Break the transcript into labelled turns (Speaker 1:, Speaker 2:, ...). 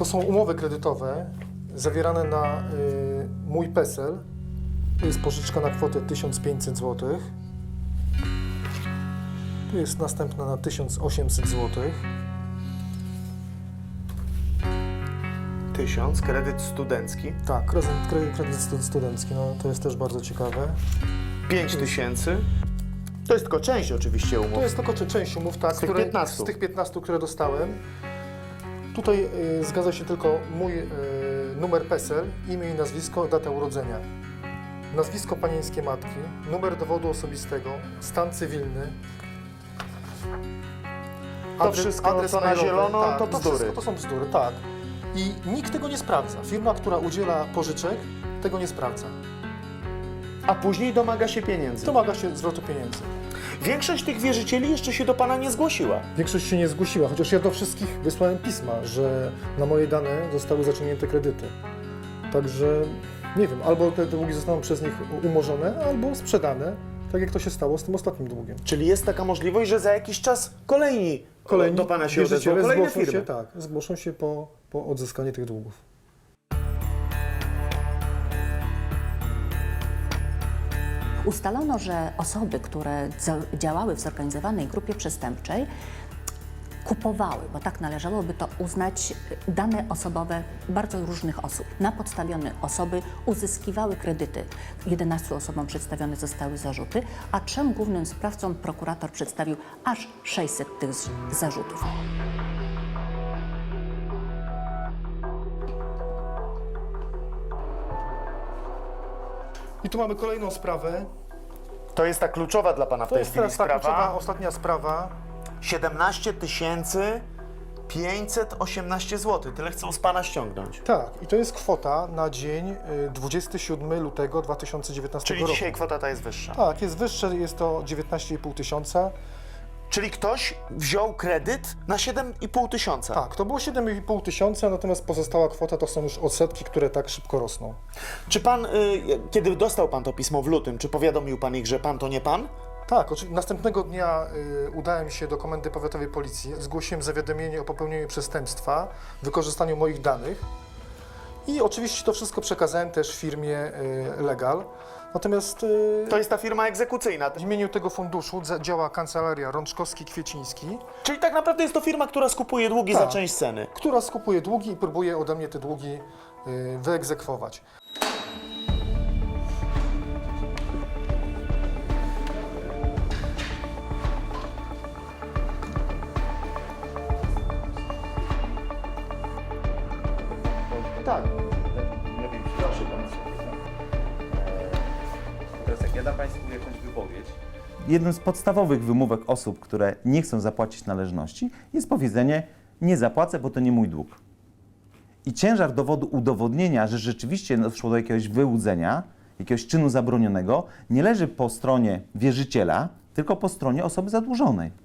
Speaker 1: To są umowy kredytowe zawierane na mój PESEL. To jest pożyczka na kwotę 1500 zł. Tu jest następna na 1800 zł.
Speaker 2: 1000, kredyt studencki.
Speaker 1: Tak, kredyt studencki, no to jest też bardzo ciekawe.
Speaker 2: 5000. To jest tylko część oczywiście umów.
Speaker 1: To jest tylko część umów, tak,
Speaker 2: Z tych 15.
Speaker 1: z tych 15, które dostałem. Tutaj zgadza się tylko mój numer PESEL, imię i nazwisko, data urodzenia. Nazwisko panieńskie matki, numer dowodu osobistego, stan cywilny.
Speaker 2: To wszystko, co na
Speaker 1: mailowy,
Speaker 2: zielono,
Speaker 1: tak,
Speaker 2: to bzdury.
Speaker 1: wszystko to są bzdury, tak. I nikt tego nie sprawdza. Firma, która udziela pożyczek, tego nie sprawdza.
Speaker 2: A później domaga się pieniędzy.
Speaker 1: Domaga się zwrotu pieniędzy.
Speaker 2: Większość tych wierzycieli jeszcze się do Pana nie zgłosiła.
Speaker 1: Większość się nie zgłosiła, chociaż ja do wszystkich wysłałem pisma, że na moje dane zostały zaciągnięte kredyty. Także nie wiem, albo te długi zostaną przez nich umorzone, albo sprzedane, tak jak to się stało z tym ostatnim długiem.
Speaker 2: Czyli jest taka możliwość, że za jakiś czas kolejni do Pana się odezwą,
Speaker 1: wierzyciele
Speaker 2: kolejne
Speaker 1: zgłoszą
Speaker 2: firmy.
Speaker 1: się, tak, zgłoszą się po odzyskanie tych długów.
Speaker 3: Ustalono, że osoby, które działały w zorganizowanej grupie przestępczej, kupowały, bo tak należałoby to uznać, dane osobowe bardzo różnych osób. Na podstawie osoby uzyskiwały kredyty. 11 osobom przedstawione zostały zarzuty, a 3 głównym sprawcom prokurator przedstawił aż 600 tych zarzutów.
Speaker 1: I tu mamy kolejną sprawę.
Speaker 2: To jest ta kluczowa dla Pana w
Speaker 1: To
Speaker 2: tej
Speaker 1: jest
Speaker 2: chwili
Speaker 1: teraz ta kluczowa,
Speaker 2: sprawa.
Speaker 1: ostatnia sprawa.
Speaker 2: 17 518 zł. Tyle chcą z Pana ściągnąć.
Speaker 1: Tak, i to jest kwota na dzień 27 lutego 2019
Speaker 2: Czyli
Speaker 1: roku.
Speaker 2: dzisiaj kwota ta jest wyższa.
Speaker 1: Tak, jest wyższe, jest to 19,5 tysiąca.
Speaker 2: Czyli ktoś wziął kredyt na 7,5 tysiąca.
Speaker 1: Tak, to było 7,5 tysiąca, natomiast pozostała kwota to są już odsetki, które tak szybko rosną.
Speaker 2: Czy Pan, kiedy dostał Pan to pismo w lutym, czy powiadomił Pan ich, że Pan to nie Pan?
Speaker 1: Tak, oczywiście. Następnego dnia udałem się do Komendy Powiatowej Policji, zgłosiłem zawiadomienie o popełnieniu przestępstwa, wykorzystaniu moich danych i oczywiście to wszystko przekazałem też firmie Legal. Natomiast
Speaker 2: To jest ta firma egzekucyjna.
Speaker 1: w imieniu tego funduszu działa kancelaria Rączkowski-Kwieciński,
Speaker 2: Czyli tak naprawdę jest to firma, która skupuje długi za
Speaker 1: Tak.
Speaker 2: część ceny.
Speaker 1: która skupuje długi i próbuje ode mnie te długi wyegzekwować.
Speaker 2: Tak.
Speaker 4: Lepiej proszę Państwa. Teraz jak ja dam Państwu jakąś wypowiedź.
Speaker 5: Jednym z podstawowych wymówek osób, które nie chcą zapłacić należności, jest powiedzenie: nie zapłacę, bo to nie mój dług. I ciężar dowodu udowodnienia, że rzeczywiście doszło do jakiegoś wyłudzenia, jakiegoś czynu zabronionego, nie leży po stronie wierzyciela, tylko po stronie osoby zadłużonej.